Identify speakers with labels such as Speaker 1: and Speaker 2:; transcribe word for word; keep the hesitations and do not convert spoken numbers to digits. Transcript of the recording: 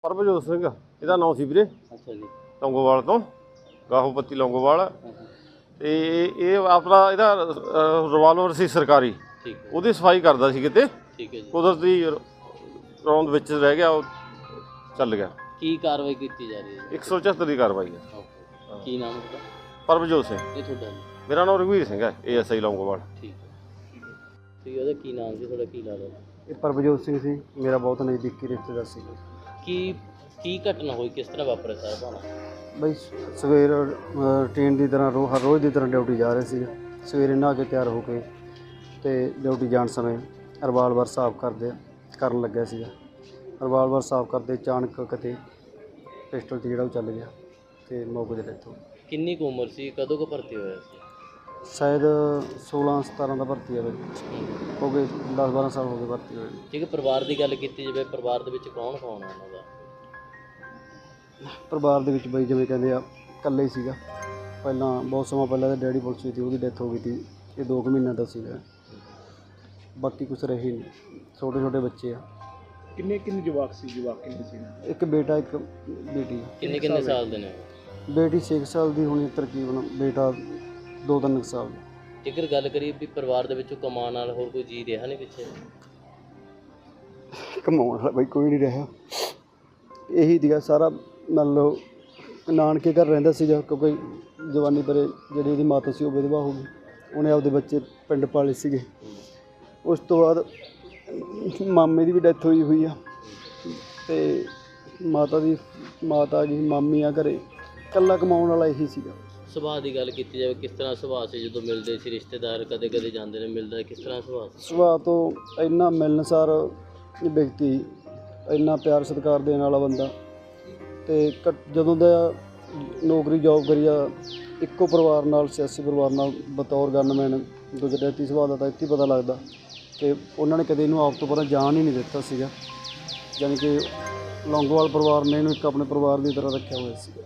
Speaker 1: ਪਰਮਜੋਤ ਸਿੰਘ ਇਹਦਾ ਨਾਂ ਸੀ ਵੀਰੇ।
Speaker 2: ਅੱਛਾ ਜੀ।
Speaker 1: ਲੌਂਗੋਵਾਲ ਤੋਂ, ਗਾਹੋ ਪੱਤੀ ਲੌਂਗੋਵਾਲ। ਤੇ ਇਹ ਆਪਣਾ ਇਹਦਾ ਰਿਵਾਲਵਰ ਸੀ ਸਰਕਾਰੀ,
Speaker 2: ਠੀਕ ਹੈ,
Speaker 1: ਉਹਦੀ ਸਫਾਈ ਕਰਦਾ ਸੀ ਕਿਤੇ,
Speaker 2: ਠੀਕ ਹੈ ਜੀ।
Speaker 1: ਕੁਦਰਤੀ ਰੌਂਦ ਵਿੱਚ ਰਹਿ ਗਿਆ, ਉਹ ਚੱਲ ਗਿਆ।
Speaker 2: ਕੀ ਕਾਰਵਾਈ ਕੀਤੀ ਜਾ ਰਹੀ ਹੈ?
Speaker 1: ਇੱਕ ਸੌ ਚੁਹੱਤਰ ਦੀ ਕਾਰਵਾਈ ਹੈ।
Speaker 2: ਓਕੇ, ਕੀ ਨਾਮ ਹੈ ਤੁਹਾਡਾ?
Speaker 1: ਪਰਮਜੋਤ ਸਿੰਘ।
Speaker 2: ਇਹ ਤੁਹਾਡਾ ਜੀ?
Speaker 1: ਮੇਰਾ ਨਾਮ ਰਘਵੀਰ ਸਿੰਘ ਹੈ, ਏ ਐਸ ਆਈ ਲੌਂਗੋਵਾਲ।
Speaker 2: ਠੀਕ ਹੈ। ਤੇ ਉਹਦਾ ਕੀ ਨਾਮ ਸੀ, ਤੁਹਾਡਾ ਕੀ ਲੱਗਦਾ?
Speaker 3: ਇਹ ਪਰਮਜੋਤ ਸਿੰਘ ਸੀ, ਮੇਰਾ ਬਹੁਤ ਨਜ਼ਦੀਕੀ ਰਿਸ਼ਤੇਦਾਰ ਸੀ।
Speaker 2: ਕੀ ਕੀ ਘਟਨਾ ਹੋਈ, ਕਿਸ ਤਰ੍ਹਾਂ ਵਾਪਰਿਆ ਸਾਰਾ ਭਾਣਾ?
Speaker 3: ਬਈ ਸਵੇਰ ਰੂਟੀਨ ਦੀ ਤਰ੍ਹਾਂ ਰੋ ਹਰ ਰੋਜ਼ ਦੀ ਤਰ੍ਹਾਂ ਡਿਊਟੀ ਜਾ ਰਹੇ ਸੀ। ਸਵੇਰੇ ਨਹਾ ਕੇ ਤਿਆਰ ਹੋ ਕੇ ਅਤੇ ਡਿਊਟੀ ਜਾਣ ਸਮੇਂ ਰਿਵਾਲਵਰ ਸਾਫ਼ ਕਰਦੇ ਕਰਨ ਲੱਗਿਆ ਸੀਗਾ। ਰਿਵਾਲਵਰ ਸਾਫ਼ ਕਰਦੇ ਅਚਾਨਕ ਕਿਤੇ ਪਿਸਟਲ 'ਤੇ ਜਿਹੜਾ ਉਹ ਚੱਲ ਗਿਆ ਅਤੇ ਮੌਕੇ 'ਤੇ ਡੈਥ ਹੋ ਗਈ।
Speaker 2: ਕਿੰਨੀ ਕੁ ਉਮਰ ਸੀ, ਕਦੋਂ ਕੁ ਭਰਤੀ ਹੋਇਆ ਸੀ?
Speaker 3: ਸ਼ਾਇਦ ਸੋਲਾਂ ਸਤਾਰਾਂ ਦਾ ਭਰਤੀ ਹੈ ਬਈ, ਹੋ ਗਏ ਦਸ ਬਾਰਾਂ ਸਾਲ ਹੋ ਗਏ ਭਰਤੀ ਹੋਏ।
Speaker 2: ਠੀਕ ਹੈ। ਪਰਿਵਾਰ ਦੀ ਗੱਲ ਕੀਤੀ ਜਾਵੇ, ਪਰਿਵਾਰ ਦੇ ਵਿੱਚ ਕੌਣ ਕੌਣ ਹੈ ਉਹਨਾਂ ਦਾ?
Speaker 3: ਪਰਿਵਾਰ ਦੇ ਵਿੱਚ ਬਈ ਜਿਵੇਂ ਕਹਿੰਦੇ ਆ ਇਕੱਲੇ ਹੀ ਸੀਗਾ। ਪਹਿਲਾਂ ਬਹੁਤ ਸਮਾਂ ਪਹਿਲਾਂ ਤਾਂ ਡੈਡੀ ਪੁਲਿਸ ਵਿੱਚ ਸੀ, ਉਹਦੀ ਡੈਥ ਹੋ ਗਈ ਸੀ। ਇਹ ਦੋ ਕੁ ਮਹੀਨਿਆਂ ਦਾ ਸੀਗਾ, ਬਾਕੀ ਕੁਛ ਰਹੇ ਨਹੀਂ। ਛੋਟੇ ਛੋਟੇ ਬੱਚੇ ਆ।
Speaker 4: ਕਿੰਨੇ ਕਿੰਨੇ ਜਵਾਕ ਸੀ? ਜਵਾਕ ਕਿੰਨੇ ਸੀ?
Speaker 3: ਇੱਕ ਬੇਟਾ ਇੱਕ ਬੇਟੀ।
Speaker 2: ਕਿੰਨੇ ਕਿੰਨੇ ਸਾਲ ਦੇ ਨੇ?
Speaker 3: ਬੇਟੀ ਛੇ ਕੁ ਸਾਲ ਦੀ ਹੋਣੀ ਤਕਰੀਬਨ, ਬੇਟਾ ਦੋ ਤਿੰਨ ਕੁ ਸਾਲ ਦਾ।
Speaker 2: ਜੇਕਰ ਗੱਲ ਕਰੀਏ ਵੀ ਪਰਿਵਾਰ ਦੇ ਵਿੱਚੋਂ ਕਮਾਉਣ ਨਾਲ ਹੋਰ ਕੋਈ ਜੀ ਰਿਹਾ ਨਹੀਂ ਪਿੱਛੇ?
Speaker 3: ਕਮਾਉਣ ਵਾਲਾ ਬਈ ਕੋਈ ਨਹੀਂ ਰਿਹਾ। ਇਹੀ ਸੀਗਾ ਸਾਰਾ, ਮੰਨ ਲਓ ਨਾਨਕੇ ਘਰ ਰਹਿੰਦਾ ਸੀਗਾ, ਕਿਉਂਕਿ ਜਵਾਨੀ ਪਰੇ ਜਿਹੜੀ ਉਹਦੀ ਮਾਤਾ ਸੀ ਉਹ ਵਿਧਵਾ ਹੋ ਗਈ। ਉਹਨੇ ਆਪਦੇ ਬੱਚੇ ਪਿੰਡ ਪਾਲੇ ਸੀਗੇ। ਉਸ ਤੋਂ ਬਾਅਦ ਮਾਮੇ ਦੀ ਵੀ ਡੈਥ ਹੋਈ ਹੋਈ ਆ, ਅਤੇ ਮਾਤਾ ਦੀ ਮਾਤਾ ਆ ਗਈ, ਮਾਮੀ ਆ ਘਰੇ। ਇਕੱਲਾ ਕਮਾਉਣ ਵਾਲਾ ਇਹੀ ਸੀਗਾ।
Speaker 2: ਸੁਭਾਅ ਦੀ ਗੱਲ ਕੀਤੀ ਜਾਵੇ, ਕਿਸ ਤਰ੍ਹਾਂ ਸੁਭਾਅ ਸੀ? ਜਦੋਂ ਮਿਲਦੇ ਸੀ ਰਿਸ਼ਤੇਦਾਰ, ਕਦੇ ਕਦੇ ਜਾਂਦੇ ਨੇ, ਮਿਲਦਾ ਕਿਸ ਤਰ੍ਹਾਂ ਸੁਭਾਅ ਸੀ?
Speaker 3: ਸੁਭਾਅ ਤੋਂ ਇੰਨਾ ਮਿਲਣਸਾਰ ਵਿਅਕਤੀ, ਇੰਨਾ ਪਿਆਰ ਸਤਿਕਾਰ ਦੇਣ ਵਾਲਾ ਬੰਦਾ। ਅਤੇ ਕ ਜਦੋਂ ਦਾ ਨੌਕਰੀ ਜੋਬ ਕਰੀ ਆ ਇੱਕੋ ਪਰਿਵਾਰ ਨਾਲ, ਸਿਆਸੀ ਪਰਿਵਾਰ ਨਾਲ ਬਤੌਰ ਗਨਮੈਨ, ਗੁਜਰਾਤੀ ਸੁਭਾਅ ਦਾ ਤਾਂ ਇੱਥੇ ਹੀ ਪਤਾ ਲੱਗਦਾ ਕਿ ਉਹਨਾਂ ਨੇ ਕਦੇ ਇਹਨੂੰ ਆਪ ਤੋਂ ਪਰਾਂ ਜਾਣ ਹੀ ਨਹੀਂ ਦਿੱਤਾ ਸੀਗਾ। ਯਾਨੀ ਕਿ ਲੌਂਗੋਵਾਲ ਪਰਿਵਾਰ ਨੇ ਇਹਨੂੰ ਇੱਕ ਆਪਣੇ ਪਰਿਵਾਰ ਦੀ ਤਰ੍ਹਾਂ ਰੱਖਿਆ ਹੋਇਆ ਸੀ।